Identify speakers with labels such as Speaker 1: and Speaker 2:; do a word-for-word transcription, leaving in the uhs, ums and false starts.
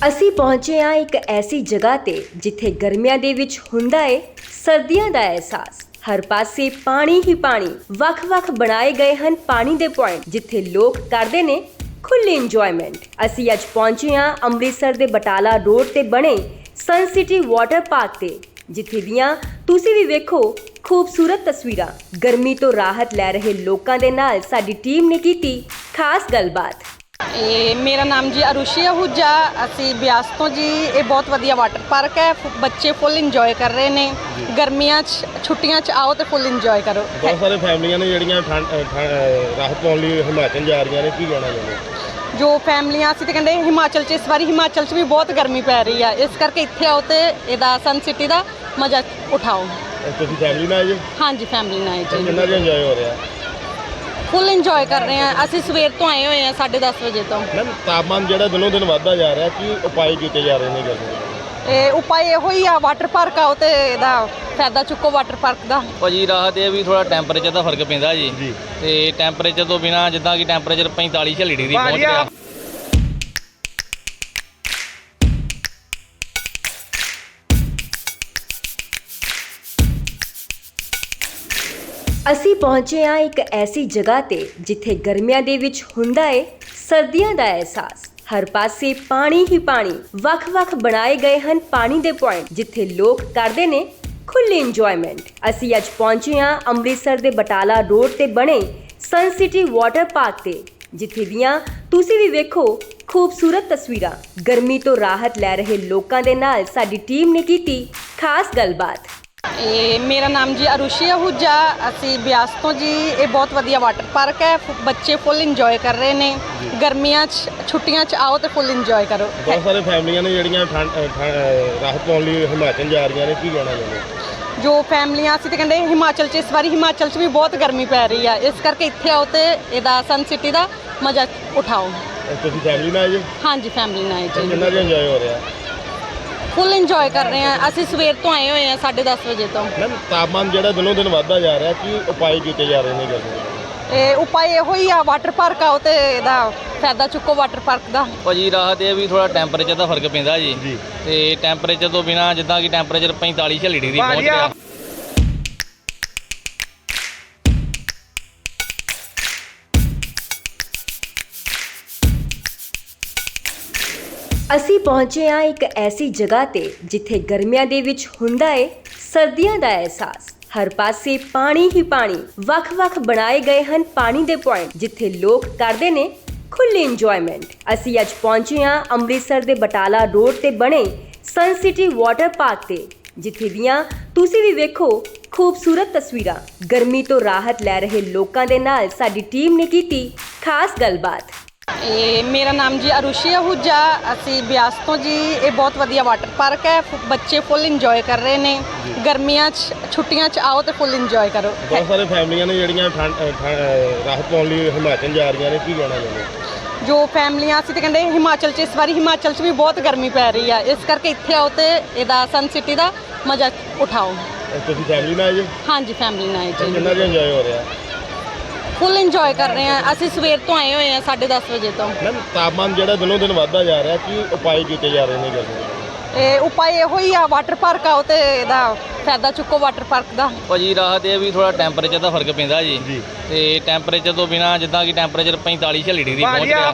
Speaker 1: ਅਸੀਂ ਪਹੁੰਚੇ ਹਾਂ ਇੱਕ ਐਸੀ ਜਗ੍ਹਾ ਤੇ ਜਿੱਥੇ ਗਰਮੀਆਂ ਦੇ ਵਿੱਚ ਹੁੰਦਾ ਏ ਸਰਦੀਆਂ ਦਾ ਅਹਿਸਾਸ। ਹਰ ਪਾਸੇ ਪਾਣੀ ਹੀ ਪਾਣੀ, ਵੱਖ-ਵੱਖ ਬਣਾਏ ਗਏ ਹਨ ਪਾਣੀ ਦੇ ਪੁਆਇੰਟ ਜਿੱਥੇ ਲੋਕ ਕਰਦੇ ਨੇ ਖੁੱਲ੍ਹੀ ਇੰਜੋਇਮੈਂਟ। ਅਸੀਂ ਅੱਜ ਪਹੁੰਚੇ ਹਾਂ ਅੰਮ੍ਰਿਤਸਰ ਦੇ ਬਟਾਲਾ ਰੋਡ ਤੇ ਬਣੇ ਸਨ ਸਿਟੀ ਵਾਟਰ ਪਾਰਕ ਤੇ, ਜਿੱਥੇ ਦੀਆਂ ਤੁਸੀਂ ਵੀ ਵੇਖੋ ਖੂਬਸੂਰਤ ਤਸਵੀਰਾਂ। ਗਰਮੀ ਤੋਂ ਰਾਹਤ ਲੈ ਰਹੇ ਲੋਕਾਂ ਦੇ ਨਾਲ ਸਾਡੀ ਟੀਮ ਨੇ ਕੀਤੀ ਖਾਸ ਗੱਲਬਾਤ।
Speaker 2: ਇਹ ਮੇਰਾ ਨਾਮ ਜੀ ਅਰੁਸ਼ੀ ਆਹੂਜਾ। ਅਸੀਂ ਬਿਆਸ ਤੋਂ ਜੀ। ਇਹ ਬਹੁਤ ਵਧੀਆ ਵਾਟਰ ਪਾਰਕ ਹੈ। ਫੁ- ਬੱਚੇ ਫੁੱਲ ਇੰਜੋਏ ਕਰ ਰਹੇ ਨੇ। ਗਰਮੀਆਂ 'ਚ ਛੁੱਟੀਆਂ 'ਚ ਆਓ ਤੇ ਫੁੱਲ ਇੰਜੋਏ ਕਰੋ।
Speaker 3: ਬਹੁਤ ਸਾਰੇ ਫੈਮਲੀਆਂ ਨੇ ਜਿਹੜੀਆਂ ਠੰਡ ਠੰਡ- ਰਾਹਤ ਪਾਉਣ ਲਈ ਹਿਮਾਚਲ ਜਾ ਰਹੀਆਂ ਨੇ, ਕੀ ਕਹਿਣਾ ਚਾਹੁੰਦੇ?
Speaker 2: ਜੋ ਫੈਮਲੀਆਂ ਅਸੀਂ ਤਾਂ ਕਹਿੰਦੇ ਹਿਮਾਚਲ 'ਚ ਇਸ ਵਾਰੀ ਹਿਮਾਚਲ 'ਚ ਵੀ ਬਹੁਤ ਗਰਮੀ ਪੈ ਰਹੀ ਆ, ਇਸ ਕਰਕੇ ਇੱਥੇ ਆਓ ਤੇ ਇਹਦਾ ਸਨ ਸਿਟੀ ਦਾ ਮਜ਼ਾ ਉਠਾਓ।
Speaker 3: ਤੁਸੀਂ ਫੈਮਲੀ ਨਾਲ ਆਏ ਜੀ?
Speaker 2: ਹਾਂਜੀ, ਫੈਮਲੀ ਨਾਲ ਆਏ ਜੀ।
Speaker 3: ਕਿੰਨਾ ਕੁ ਇੰਜੋਏ ਹੋ ਰਿਹਾ?
Speaker 2: ਫੁੱਲ ਇੰਜੋਏ ਕਰ ਰਹੇ ਆ। ਅਸੀਂ ਸਵੇਰ ਤੋਂ ਆਏ ਹੋਏ ਆ, ਸਾਢੇ ਦਸ ਵਜੇ ਤੋਂ।
Speaker 3: ਮੈਮ, ਤਾਪਮਾਨ ਜਿਹੜਾ ਦਿਨੋਂ ਦਿਨ ਵੱਧਦਾ ਜਾ ਰਿਹਾ, ਕੀ ਉਪਾਅ ਕੀਤੇ ਜਾ ਰਹੇ ਨੇ ਗਰਮੀ ਦੇ?
Speaker 2: ਇਹ ਉਪਾਅ ਇਹੋ ਹੀ ਆ, ਵਾਟਰ ਪਾਰਕ ਆਓ ਤੇ ਇਹਦਾ ਫਾਇਦਾ ਚੁੱਕੋ ਵਾਟਰ ਪਾਰਕ ਦਾ।
Speaker 4: ਭਾਜੀ ਰਾਹਤ ਇਹ ਵੀ ਥੋੜਾ ਟੈਂਪਰੇਚਰ ਦਾ ਫਰਕ ਪੈਂਦਾ ਜੀ
Speaker 3: ਜੀ।
Speaker 4: ਤੇ ਟੈਂਪਰੇਚਰ ਤੋਂ ਬਿਨਾ ਜਿੱਦਾਂ ਕਿ ਟੈਂਪਰੇਚਰ ਪੈਂਤਾਲੀ ਛਿਆਲੀ ਡਿਗਰੀ ਪਹੁੰਚ ਗਿਆ।
Speaker 1: ਅਸੀਂ ਪਹੁੰਚੇ ਹਾਂ ਇੱਕ ਐਸੀ ਜਗ੍ਹਾ ਤੇ ਜਿੱਥੇ ਗਰਮੀਆਂ ਦੇ ਵਿੱਚ ਹੁੰਦਾ ਏ ਸਰਦੀਆਂ ਦਾ ਅਹਿਸਾਸ। ਹਰ ਪਾਸੇ ਪਾਣੀ ਹੀ ਪਾਣੀ, ਵੱਖ-ਵੱਖ ਬਣਾਏ ਗਏ ਹਨ ਪਾਣੀ ਦੇ ਪੁਆਇੰਟ ਜਿੱਥੇ ਲੋਕ ਕਰਦੇ ਨੇ ਖੁੱਲ੍ਹੀ ਇੰਜੋਇਮੈਂਟ। ਅਸੀਂ ਅੱਜ ਪਹੁੰਚੇ ਹਾਂ ਅੰਮ੍ਰਿਤਸਰ ਦੇ ਬਟਾਲਾ ਰੋਡ ਤੇ ਬਣੇ ਸਨ ਸਿਟੀ ਵਾਟਰ ਪਾਰਕ ਤੇ, ਜਿੱਥੇ ਦੀਆਂ ਤੁਸੀਂ ਵੀ ਵੇਖੋ ਖੂਬਸੂਰਤ ਤਸਵੀਰਾਂ। ਗਰਮੀ ਤੋਂ ਰਾਹਤ ਲੈ ਰਹੇ ਲੋਕਾਂ ਦੇ ਨਾਲ ਸਾਡੀ ਟੀਮ ਨੇ ਕੀਤੀ ਖਾਸ ਗੱਲਬਾਤ।
Speaker 2: ਇਹ ਮੇਰਾ ਨਾਮ ਜੀ ਅਰੁਸ਼ੀ ਆਹੂਜਾ। ਅਸੀਂ ਬਿਆਸ ਤੋਂ ਜੀ। ਇਹ ਬਹੁਤ ਵਧੀਆ ਵਾਟਰ ਪਾਰਕ ਹੈ। ਫੁ- ਬੱਚੇ ਫੁੱਲ ਇੰਜੋਏ ਕਰ ਰਹੇ ਨੇ। ਗਰਮੀਆਂ 'ਚ ਛੁੱਟੀਆਂ 'ਚ ਆਓ ਤੇ ਫੁੱਲ ਇੰਜੋਏ ਕਰੋ।
Speaker 3: ਬਹੁਤ ਸਾਰੇ ਫੈਮਲੀਆਂ ਨੇ ਜਿਹੜੀਆਂ ਠੰਡ ਠੰਡ- ਰਾਹਤ ਪਾਉਣ ਲਈ ਹਿਮਾਚਲ ਜਾ ਰਹੀਆਂ ਨੇ, ਕੀ ਕਹਿਣਾ ਚਾਹੁੰਦੇ?
Speaker 2: ਜੋ ਫੈਮਲੀਆਂ ਅਸੀਂ ਤਾਂ ਕਹਿੰਦੇ ਹਿਮਾਚਲ 'ਚ ਇਸ ਵਾਰੀ ਹਿਮਾਚਲ 'ਚ ਵੀ ਬਹੁਤ ਗਰਮੀ ਪੈ ਰਹੀ ਆ, ਇਸ ਕਰਕੇ ਇੱਥੇ ਆਓ ਤੇ ਇਹਦਾ ਸਨ ਸਿਟੀ ਦਾ ਮਜ਼ਾ ਉਠਾਓ।
Speaker 3: ਤੁਸੀਂ ਫੈਮਲੀ ਨਾਲ ਆਏ ਜੀ?
Speaker 2: ਹਾਂਜੀ, ਫੈਮਲੀ ਨਾਲ ਆਏ ਜੀ।
Speaker 3: ਕਿੰਨਾ ਕੁ ਇੰਜੋਏ ਹੋ ਰਿਹਾ?
Speaker 2: ਫੁੱਲ ਇੰਜੋਏ ਕਰ ਰਹੇ ਆ। ਅਸੀਂ ਸਵੇਰ ਤੋਂ ਆਏ ਹੋਏ ਆ, ਸਾਢੇ ਦਸ ਵਜੇ ਤੋਂ।
Speaker 3: ਮੈਮ, ਤਾਪਮਾਨ ਜਿਹੜਾ ਦਿਨੋਂ ਦਿਨ ਵੱਧਦਾ ਜਾ ਰਿਹਾ, ਕੀ ਉਪਾਅ ਕੀਤੇ ਜਾ ਰਹੇ ਨੇ ਗਰਮੀ ਦੇ?
Speaker 2: ਇਹ ਉਪਾਅ ਇਹੋ ਹੀ ਆ, ਵਾਟਰ ਪਾਰਕ ਆਓ ਤੇ ਇਹਦਾ ਫਾਇਦਾ ਚੁੱਕੋ ਵਾਟਰ ਪਾਰਕ ਦਾ।
Speaker 4: ਭਾਜੀ ਰਾਹਤ ਇਹ ਵੀ ਥੋੜਾ ਟੈਂਪਰੇਚਰ ਦਾ ਫਰਕ ਪੈਂਦਾ ਜੀ
Speaker 3: ਜੀ।
Speaker 4: ਤੇ ਟੈਂਪਰੇਚਰ ਤੋਂ ਬਿਨਾ ਜਿੱਦਾਂ ਕਿ ਟੈਂਪਰੇਚਰ ਪੈਂਤਾਲੀ ਛਿਆਲੀ ਡਿਗਰੀ ਪਹੁੰਚ ਗਿਆ।
Speaker 1: ਅਸੀਂ ਪਹੁੰਚੇ ਹਾਂ ਇੱਕ ਐਸੀ ਜਗ੍ਹਾ ਤੇ ਜਿੱਥੇ ਗਰਮੀਆਂ ਦੇ ਵਿੱਚ ਹੁੰਦਾ ਏ ਸਰਦੀਆਂ ਦਾ ਅਹਿਸਾਸ। ਹਰ ਪਾਸੇ ਪਾਣੀ ਹੀ ਪਾਣੀ, ਵੱਖ-ਵੱਖ ਬਣਾਏ ਗਏ ਹਨ ਪਾਣੀ ਦੇ ਪੁਆਇੰਟ ਜਿੱਥੇ ਲੋਕ ਕਰਦੇ ਨੇ ਖੁੱਲ੍ਹੀ ਇੰਜੋਇਮੈਂਟ। ਅਸੀਂ ਅੱਜ ਪਹੁੰਚੇ ਹਾਂ ਅੰਮ੍ਰਿਤਸਰ ਦੇ ਬਟਾਲਾ ਰੋਡ ਤੇ ਬਣੇ ਸਨ ਸਿਟੀ ਵਾਟਰ ਪਾਰਕ ਤੇ, ਜਿੱਥੇ ਦੀਆਂ ਤੁਸੀਂ ਵੀ ਵੇਖੋ ਖੂਬਸੂਰਤ ਤਸਵੀਰਾਂ। ਗਰਮੀ ਤੋਂ ਰਾਹਤ ਲੈ ਰਹੇ ਲੋਕਾਂ ਦੇ ਨਾਲ ਸਾਡੀ ਟੀਮ ਨੇ ਕੀਤੀ ਖਾਸ ਗੱਲਬਾਤ।
Speaker 2: ਇਹ ਮੇਰਾ ਨਾਮ ਜੀ ਅਰੁਸ਼ੀ ਆਹੂਜਾ। ਅਸੀਂ ਬਿਆਸ ਤੋਂ ਜੀ। ਇਹ ਬਹੁਤ ਵਧੀਆ ਵਾਟਰ ਪਾਰਕ ਹੈ। ਫੁ- ਬੱਚੇ ਫੁੱਲ ਇੰਜੋਏ ਕਰ ਰਹੇ ਨੇ। ਗਰਮੀਆਂ 'ਚ ਛੁੱਟੀਆਂ 'ਚ ਆਓ ਤੇ ਫੁੱਲ ਇੰਜੋਏ ਕਰੋ।
Speaker 3: ਬਹੁਤ ਸਾਰੇ ਫੈਮਲੀਆਂ ਨੇ ਜਿਹੜੀਆਂ ਠੰਡ ਠੰਡ- ਰਾਹਤ ਪਾਉਣ ਲਈ ਹਿਮਾਚਲ ਜਾ ਰਹੀਆਂ ਨੇ, ਕੀ ਕਹਿਣਾ ਚਾਹੁੰਦੇ?
Speaker 2: ਜੋ ਫੈਮਲੀਆਂ ਅਸੀਂ ਤਾਂ ਕਹਿੰਦੇ ਹਿਮਾਚਲ 'ਚ ਇਸ ਵਾਰੀ ਹਿਮਾਚਲ 'ਚ ਵੀ ਬਹੁਤ ਗਰਮੀ ਪੈ ਰਹੀ ਆ, ਇਸ ਕਰਕੇ ਇੱਥੇ ਆਓ ਤੇ ਇਹਦਾ ਸਨ ਸਿਟੀ ਦਾ ਮਜ਼ਾ ਉਠਾਓ।
Speaker 3: ਤੁਸੀਂ ਫੈਮਲੀ ਨਾਲ ਆਏ ਜੀ?
Speaker 2: ਹਾਂਜੀ, ਫੈਮਲੀ ਨਾਲ ਆਏ ਜੀ।
Speaker 3: ਕਿੰਨਾ ਕੁ ਇੰਜੋਏ ਹੋ ਰਿਹਾ?
Speaker 2: ਫੁੱਲ ਇੰਜੋਏ ਕਰ ਰਹੇ ਆ। ਅਸੀਂ ਸਵੇਰ ਤੋਂ ਆਏ ਹੋਏ ਆ, ਸਾਢੇ ਦਸ ਵਜੇ ਤੋਂ।
Speaker 3: ਮੈਮ, ਤਾਪਮਾਨ ਜਿਹੜਾ ਦਿਨੋਂ ਦਿਨ ਵੱਧਦਾ ਜਾ ਰਿਹਾ, ਕੀ ਉਪਾਅ ਕੀਤੇ ਜਾ ਰਹੇ ਨੇ ਗਰਮੀ ਦੇ?
Speaker 2: ਇਹ ਉਪਾਅ ਇਹੋ ਹੀ ਆ, ਵਾਟਰ ਪਾਰਕ ਆਓ ਤੇ ਇਹਦਾ ਫਾਇਦਾ ਚੁੱਕੋ ਵਾਟਰ ਪਾਰਕ ਦਾ।
Speaker 4: ਭਾਜੀ ਰਾਹਤ ਇਹ ਵੀ ਥੋੜਾ ਟੈਂਪਰੇਚਰ ਦਾ ਫਰਕ ਪੈਂਦਾ ਜੀ
Speaker 3: ਜੀ।
Speaker 4: ਤੇ ਟੈਂਪਰੇਚਰ ਤੋਂ ਬਿਨਾ ਜਿੱਦਾਂ ਕਿ ਟੈਂਪਰੇਚਰ ਪੈਂਤਾਲੀ ਛਿਆਲੀ ਡਿਗਰੀ ਪਹੁੰਚ ਗਿਆ।